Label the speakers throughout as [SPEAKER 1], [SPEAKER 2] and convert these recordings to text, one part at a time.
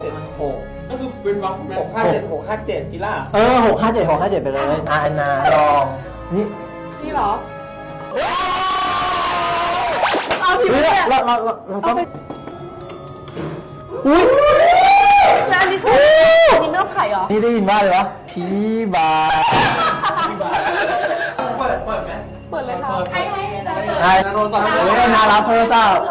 [SPEAKER 1] 6
[SPEAKER 2] ก็คือเป็นวักไหม
[SPEAKER 1] 657ซิล่า
[SPEAKER 3] 657ไปเลยอันนาลอง
[SPEAKER 4] นี่เหรอเอาผิดเนี่ย
[SPEAKER 3] เราต้องอุ้ย
[SPEAKER 4] แล้วอันนี้คืออันนี้ไม่ต้องไข่เหรอ
[SPEAKER 3] นี่ได้ยินว่าเลยวะพี่บา
[SPEAKER 1] เปิดไหม
[SPEAKER 4] เปิดเลยค่ะ
[SPEAKER 3] ให้โทรศัพท์เลยนารับโทรศัพท์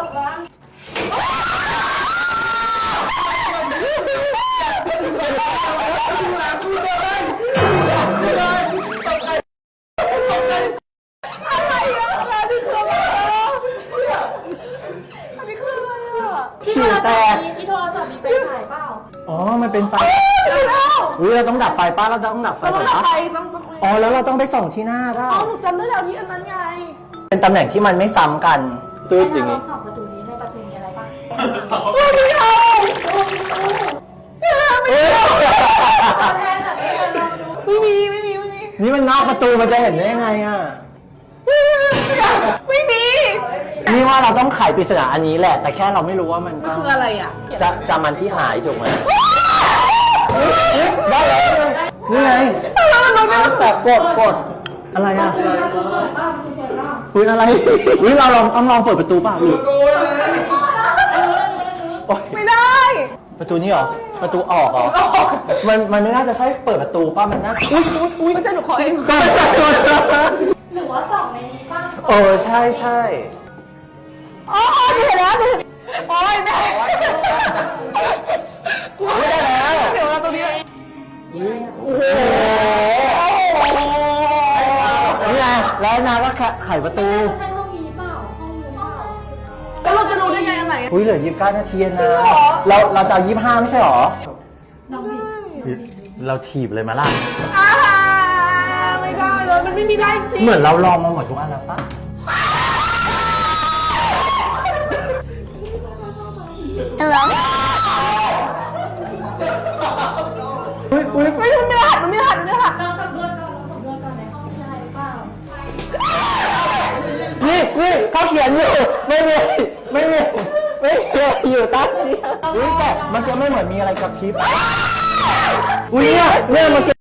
[SPEAKER 3] ฉี่แตก
[SPEAKER 5] ที่โทรศัพท์มีไฟฉายเปล่า
[SPEAKER 3] อ๋อมันเป็นไฟอุ้ยเราต้องดับไฟป้าเราต้องดับไฟก่อนปะอ๋อแล้วเราต้องไปส่องที่หน้าป่ะ
[SPEAKER 4] อ๋อหนูจำได้แล้วที่อันนั้นไง
[SPEAKER 3] เป็นตำแหน่งที่มันไม่ซ้ำกันตืดอย่าง
[SPEAKER 5] นี้
[SPEAKER 3] นี้
[SPEAKER 5] สองประตูนี้ในประตูมีอะไรบ้าง
[SPEAKER 4] ไม่เอาไม่มี
[SPEAKER 3] นี่มันนอกประตูมันจะเห็นได้ยังไงอ่ะ
[SPEAKER 4] ไม่มี
[SPEAKER 3] นี่ว่าเราต้องไขปริศนาอันนี้แหละแต่แค่เราไม่รู้ว่ามัน
[SPEAKER 4] คืออะไรอ่ะ
[SPEAKER 3] จะมันที่หายถูกไหมได้เลยนี่ไงแต่กดอะไรอ่ะคุณอะไรเราต้องลองเปิดประตูป่ะหรือ
[SPEAKER 4] ไม่ได้
[SPEAKER 3] ประตูนี้หรอประตูออกเหรอมันไม่น่าจะใช่เปิดประตูป่ะมันน่า
[SPEAKER 4] อุ้ยไม่ใช่หนูขอเอง
[SPEAKER 5] หรือว่าสองในนี้ป่ะ
[SPEAKER 3] ใช่
[SPEAKER 4] อ๋อเห็นแล้วโอ้ยแม่
[SPEAKER 3] ไม่ได้แล้ว
[SPEAKER 4] เดี๋ยวเราตรงนี้
[SPEAKER 3] โอ้โหนี่ไงแล้วนาก็ไขประตู
[SPEAKER 5] ใช่ห้องนี้เปล่าห้องนี้เปล่า
[SPEAKER 4] แล้วเราจะรู้ได้ไงอันไหน
[SPEAKER 3] อุ้ยเหลือ29 นาทีนะเราจะ25ไม่ใช่หรอ
[SPEAKER 5] น้องบิด
[SPEAKER 3] เราถีบเลยมาล่ะ
[SPEAKER 4] ไม่ได้เลยมันไม่มีได้จริง
[SPEAKER 3] เหมือนเราลองมาหมดทุกอันแล้วปะอุ้ย
[SPEAKER 4] ไม่ทำไม่หัดมันไม่หัด
[SPEAKER 5] เราสำรวจก่อนในห้องมีอะไรเปล่า
[SPEAKER 3] นี่เขาเขียนอยู่ไม่มีอยู่ตั้งนี้อุ้ยแต่มันจะไม่เหมือนมีอะไรกับคลิปอุ้ยเนี่ยมัน